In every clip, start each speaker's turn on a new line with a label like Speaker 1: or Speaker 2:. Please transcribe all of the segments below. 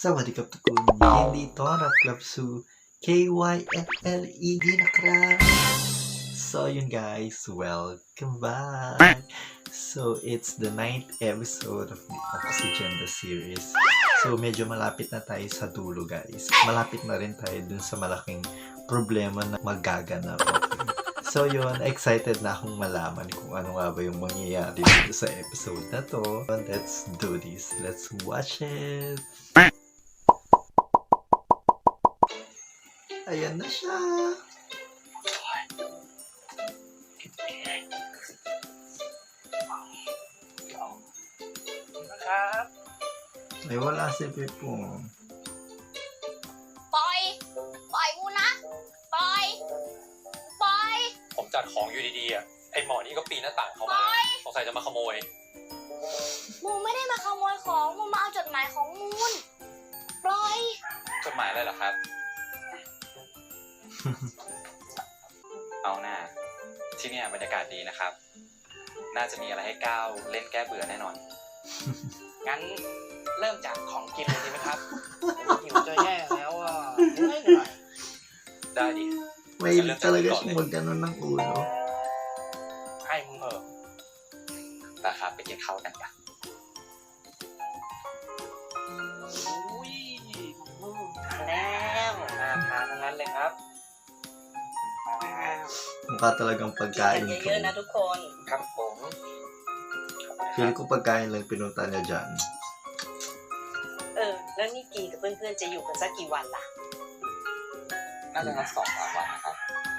Speaker 1: สวัสดีครับทุกคนยินดีต้อนรับกลับสู่ KYFLED นะครับ So you guys welcome back. So it's the 9th episode of the Oxygenda series. So medyo malapit na tayo sa dulo guys. Malapit na rin tayo dun sa malaking problema na magaganap. Okay? So yun, excited na akong malaman kung ano nga ba yung mangyayari dito sa episode na to. Let's do this. Let's watch it. Ayan na siya.
Speaker 2: นะครับ
Speaker 1: Ay, wala si Pipong.
Speaker 3: ปล่อย ปล่อยกูนะ ปล่อย ปล่อย
Speaker 2: ผมจัดของอยู่ดีๆอ่ะไอหมอนี่ก็ปีนหน้าต่างเข้ามาสงสัยจะมาขโมย
Speaker 3: มูไม่ได้มาขโมยของมูมาเอาจดหมายของมูนปล่อย
Speaker 2: จดหมายอะไรเหรอครับ เอาหน้าที่เนี่ยบรรยากาศดีนะครับ น่าจะมีอะไรให้ก้าวเล่นแก้เบื่อแน่นอน
Speaker 4: งั้นเริ่มจากของกินเลยดีไหมครับ หิวจะแย่แล้วอ่ะเหนื่อย
Speaker 2: ได้ดิ
Speaker 1: May talaga siyang magkaroon ng ulo.
Speaker 4: ให้มึงเหอะ
Speaker 2: นะครับไปกินข้าวกันกัน
Speaker 4: อุ้ยทานแล้วน่าทานทั้งนั้นเลยครับ
Speaker 1: Mukha talagang
Speaker 4: กิน
Speaker 1: pagkain
Speaker 4: กัน
Speaker 1: ko.
Speaker 4: เยอะๆนะทุกคนครับผม
Speaker 1: Feel ko pagkain lang pinunta niya dyan.
Speaker 4: แล้วนี่กีกับเพื่อนๆจะอยู่กันสักกี่วันล่ะ
Speaker 2: น่าจะนัด2-3 วันนะครับ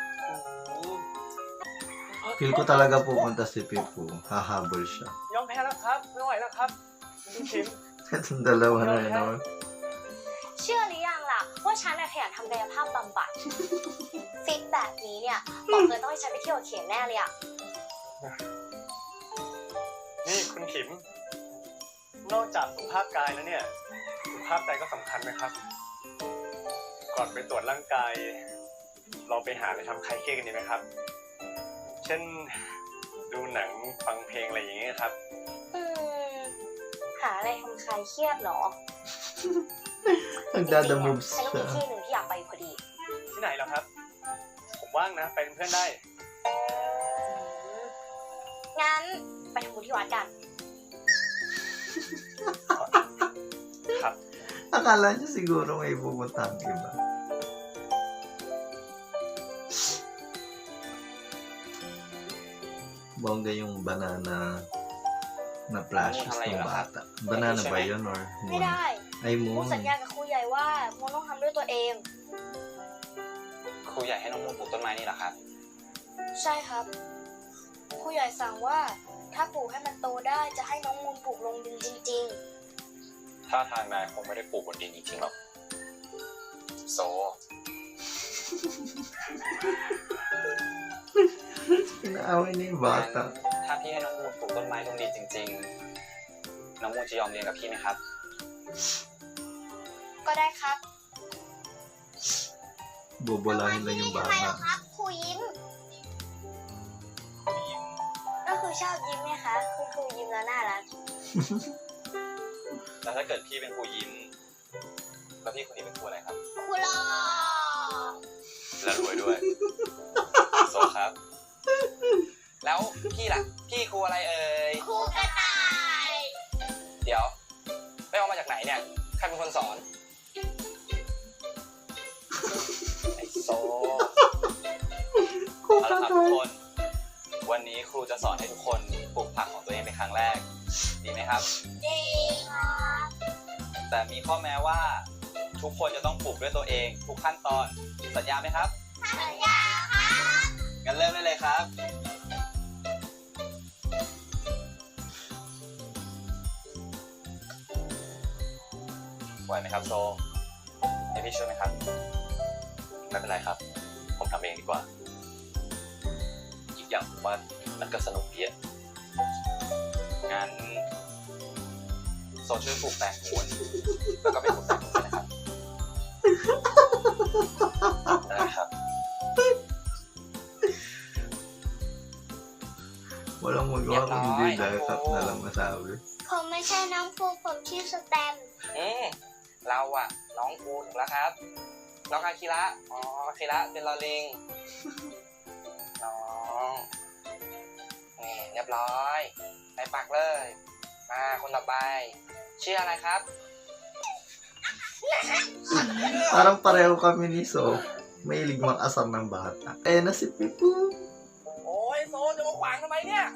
Speaker 1: Feel ko talaga pupunta si Pipo. Hahabol siya.
Speaker 4: ยอมแพ้แล้วครับไม่ไหวแล้วครับคุณชิม
Speaker 1: Itong dalawa na yun naman.
Speaker 3: เชื่อหรือยังล่ะ ว่าฉันน่ะขยันทำกายภาพบำบัด ฟิตแบบนี้เนี่ยบอกเลยต้องให้ฉันไปเที่ยวกับเขียนแน่เลยอะ
Speaker 5: นี่คุณขิม นอกจากสุขภาพกายแล้วเนี่ยสุขภาพใจก็สำคัญนะครับ ก่อนไปตรวจร่างกาย เราไปหาอะไรทำคลายเครียดกันดีไหมครับ เช่นดูหนังฟังเพลงอะไรอย่างเงี้ยครับ
Speaker 3: หาอะไรทำคลายเครียดเหรอ
Speaker 1: Nagdadamoves
Speaker 3: ฉันก็มี
Speaker 1: siya.
Speaker 3: ที่หนึ่งที่อยากไปอยู่พอดี
Speaker 5: ที่ไหนเหรอครับ ผมว่างนะไปเป็นเพื่อนได้
Speaker 3: งั้นไปทำบุญที่วัดกัน
Speaker 5: ครับ
Speaker 1: Akala niya siguro may pupunta ang iba. Bongga yung banana na flashes ng bata. Banana ba yun or
Speaker 3: ไม่
Speaker 1: moon?
Speaker 3: ได้
Speaker 1: Ay,
Speaker 3: มู
Speaker 1: moon.
Speaker 3: สัญญากับครูใหญ่ว่ามูต้องทำด้วยตัวเอง
Speaker 2: ครูใหญ่ให้น้องมูปลูกต้นไม้นี่เหรอครับ
Speaker 3: ใช่ครับครูใหญ่สั่งว่าถ้าปลูกให้มันโตได้จะให้น้องมูลปลูกลงดินจริง
Speaker 2: ถ้าทางนายคงไม่ได้ปลูกบนดินจริงๆหรอกโซ
Speaker 1: Inaaway niya yung
Speaker 2: งั้น
Speaker 1: bata.
Speaker 2: ถ้าพี่ให้น้องมูปลูกต้นไม้ลงดินจริงๆ น้องมูจะยอมเรียนกับพี่ไหมครับ
Speaker 3: ๆ ก็ได้ครับ
Speaker 1: Bobolahin lang yung
Speaker 3: ทำไมเหรอ
Speaker 1: bata.
Speaker 3: ครับครูยิ้มก็คือชอบยิ้มไหมคะคุณครูยิ้มแล้วน่ารัก
Speaker 2: แล้วถ้าเกิดพี่เป็นครูยิ้ม แล้วพี่คนนี้เป็นครูอะไรครับ
Speaker 3: ครูหล่อ
Speaker 2: แล้วรวยด้วย โซครับ แล้วพี่ล่ะ พี่ครูอะไรเอ่ย
Speaker 3: ครูกระต่าย
Speaker 2: เดี๋ยวไปเอามาจากไหนเนี่ย ใครเป็นคนสอน ไอโซ เอาละครับทุกคน วันนี้ครูจะสอนให้ทุกคนปลูกผักของตัวเองเป็นครั้งแรก ดีไหมครับ
Speaker 3: ดีครับ
Speaker 2: แต่มีข้อแม้ว่า ทุกคนจะต้องปลูกด้วยตัวเอง ทุกขั้นตอน สัญญาไหมครับ
Speaker 3: สัญญาครับ
Speaker 2: งั้นเริ่มได้เลยครับ ไหวไหมครับโซให้พี่ช่วยไหมครับ ไม่เป็นไรครับ ผมทำเองดีกว่า อีกอย่างผมว่ามันก็สนุกดีอะงั้นโซช่วยปลูกแตงมูนแล้วก็ไปปลูกแตงมูนด้วยนะครับ ได้ครับ
Speaker 1: Walang magawa kung hindi dahil cut na lang masabi.
Speaker 3: ผมไม่ใช่น้องครูผมชื่อสแตมป์
Speaker 4: เราอะน้องกูถูกแล้วครับน้องอาคิระอ๋ออาคิระเป็นลอลิง น้องนี่เรียบร้อยไปปักเลยมาคนต่อไปชื่ออะไรครับ
Speaker 1: Parang pareho kami ni So. Mahilig mag-asar ng bata. Eh, na si Pipo.
Speaker 4: โอ้ยโซจะมาขวางทำไมเนี่ย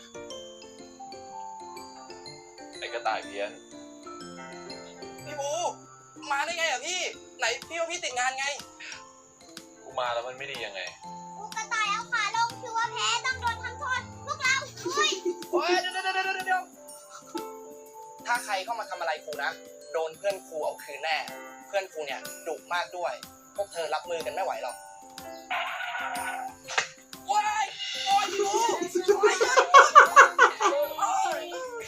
Speaker 2: ไอ้กระต่ายเพี้ยน
Speaker 4: พี่บูมาได้ไงอ่ะพี่ไหนพี่ว่าพี่ติดงานไง
Speaker 2: กูมาแล้วมันไม่ดียังไง
Speaker 3: ลูกกระต่ายเอาขาลงถือว่าแพ้ต้องโดนทำโทษพวกเราเฮ้ย
Speaker 4: โอ้ยเดี๋ยวถ้าใครเข้ามาทำอะไรครูนะโดนเพื่อนครูเอาคืนแน่เพื่อนครูเนี่ยดุมากด้วยพวกเธอรับมือกันไม่ไหวหรอกว้ายโอ้ยพี่บูโอ้ย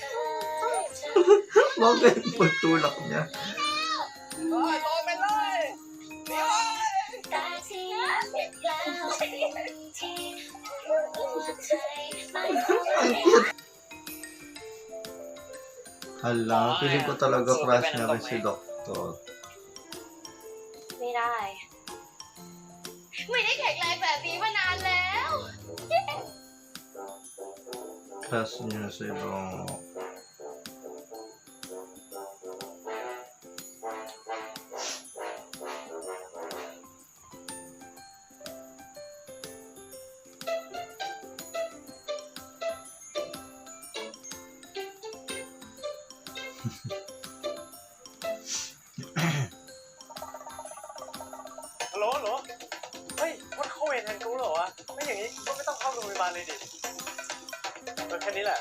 Speaker 1: Bakit pagtulak niya?
Speaker 4: โอ้ยโดนไปเลยเดี๋ยว
Speaker 3: แต่ที่เด็กแล้วที่หัวใจไม่รู้
Speaker 1: Hala, feeling ko talaga crush niya rin si Doktor.
Speaker 3: ไม่ได้ ไม่ได้แข็งแรงแบบนี้มานานแล้ว
Speaker 1: Crush niya si Dok.
Speaker 5: Hello เฮ้ยมันเข้าเวรแทนกูเหรอวะไม่อย่างนี้ก็ไม่ต้องเข้าโรงพยาบาลเลยดิแค่นี้แหละ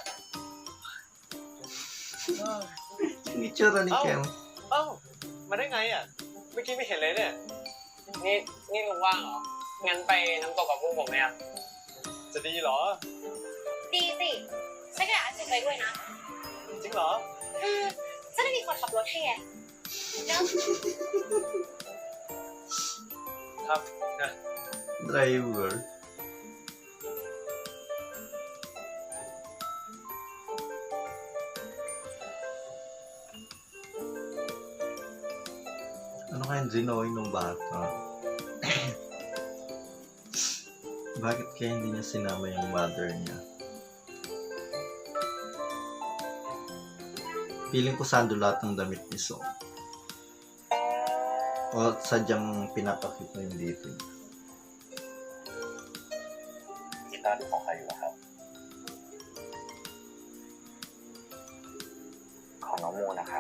Speaker 1: Yung itsura ni Kem.
Speaker 5: เอ้ามาได้ไงอ่ะเมื่อกี้ไม่เห็นเลยเนี่ย
Speaker 4: นี่ลุงว่างเหรองั้นไปน้ำตกกับพวกผมเนี่ย
Speaker 5: จะดีเหรอ
Speaker 3: ดีสิฉันก็อยากจะไปด้วยนะ
Speaker 5: จริงเหรอ
Speaker 3: จะได้มีคนขับรถให้ไงเนอะ
Speaker 5: ครับนะ
Speaker 1: Driver. Ano kayang ginawin ng bata? Bakit kaya hindi niya sinama yung mother niya? Feeling ko sando lahat ng damit ni So. O sadyang pinapakita yung dito niya.
Speaker 2: กีตาร์ที่ของใครอยู่ครับ ของน้องมูนนะครับ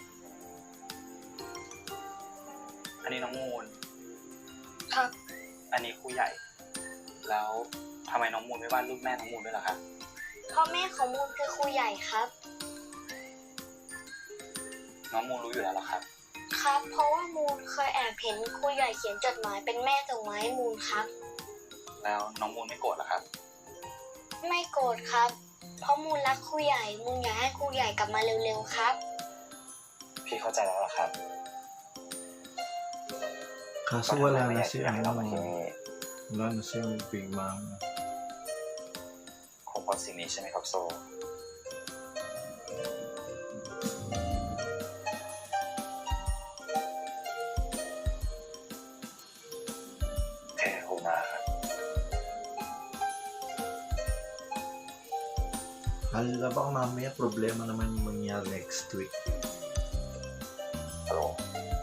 Speaker 2: อันนี้น้องมูน
Speaker 3: ครับ
Speaker 2: อันนี้ครูใหญ่ แล้วทำไมน้องมูนไม่วาดรูปแม่น้องมูนด้วยล่ะครับ
Speaker 3: พ่อแม่ของมูลคือครูใหญ่ครับ
Speaker 2: น้องมูนรู้อยู่แล้วเหรอครับ
Speaker 3: ครับ เพราะว่ามูลเคยแอบเห็นครูใหญ่เขียนจดหมายเป็นแม่ส่งมาให้มูลครับ
Speaker 2: แล้วน้องมูนไม่โกรธเหรอครับ
Speaker 3: ไม่โกรธครับ เพราะมูลรักครูใหญ่ มูลอยากให้ครูใหญ่กลับมาเร็วๆครับ
Speaker 2: พี่เข้าใจแล้วเหรอครับ
Speaker 1: Kaso wala na
Speaker 2: ไม่
Speaker 1: si
Speaker 2: อยากให้เรามาที่
Speaker 1: ano,
Speaker 2: นี่
Speaker 1: wala na si Big Mama.
Speaker 2: คงเพราะสิ่งนี้ใช่ไหมครับโซ แค่คงมาครับ
Speaker 1: Hala, baka mamaya problema naman yung mangyari next week.
Speaker 2: ฮัลโหล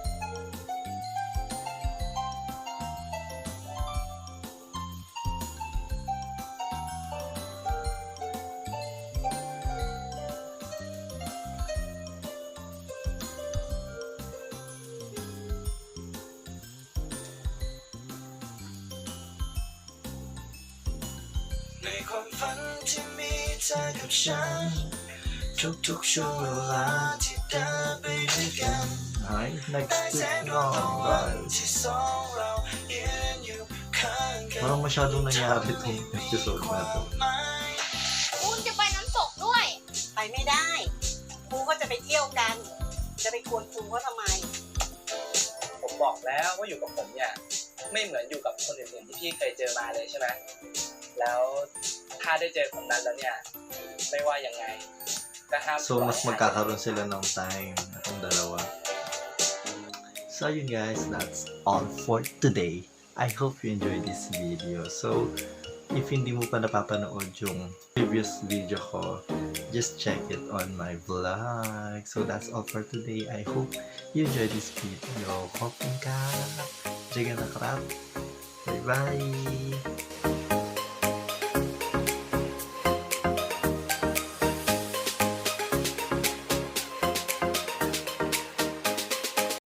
Speaker 6: ในความฝันที่มีเธอกับฉันทุกๆช่วงเวลาที่เดินไปด้วยกัน
Speaker 1: Ay, next
Speaker 6: แส
Speaker 1: week
Speaker 6: น
Speaker 1: na,
Speaker 6: วัน
Speaker 1: guys.
Speaker 6: ที่สองเรายืนอยู่ข้างกัน
Speaker 1: Parang masyadong nangyari itong episode na to.
Speaker 3: มูลจะไปน้ำตกด้วย
Speaker 7: ไปไม่ได้ครูก็จะไปเที่ยวกัน จะไปกวนครูเขาทำไม
Speaker 4: ผมบอกแล้วว่าอยู่กับผมเนี่ยไม่เหมือนอยู่กับคนอื่นๆที่พี่เคยเจอมาเลยใช่ไหมแล้วถ้าได้เจอคนนั้นแล้วเนี่ยไม่ว่ายังไงก็ห้าม
Speaker 1: So, mas magkakaroon sila ng time, itong dalawa. So yun guys, that's all for today. I hope you enjoyed this video. So if hindi mo pa napapanood yung previous video ko, just check it on my vlog. So that's all for today. I hope you enjoyed this video. Kopin ka! Jaga na krap! Bye bye!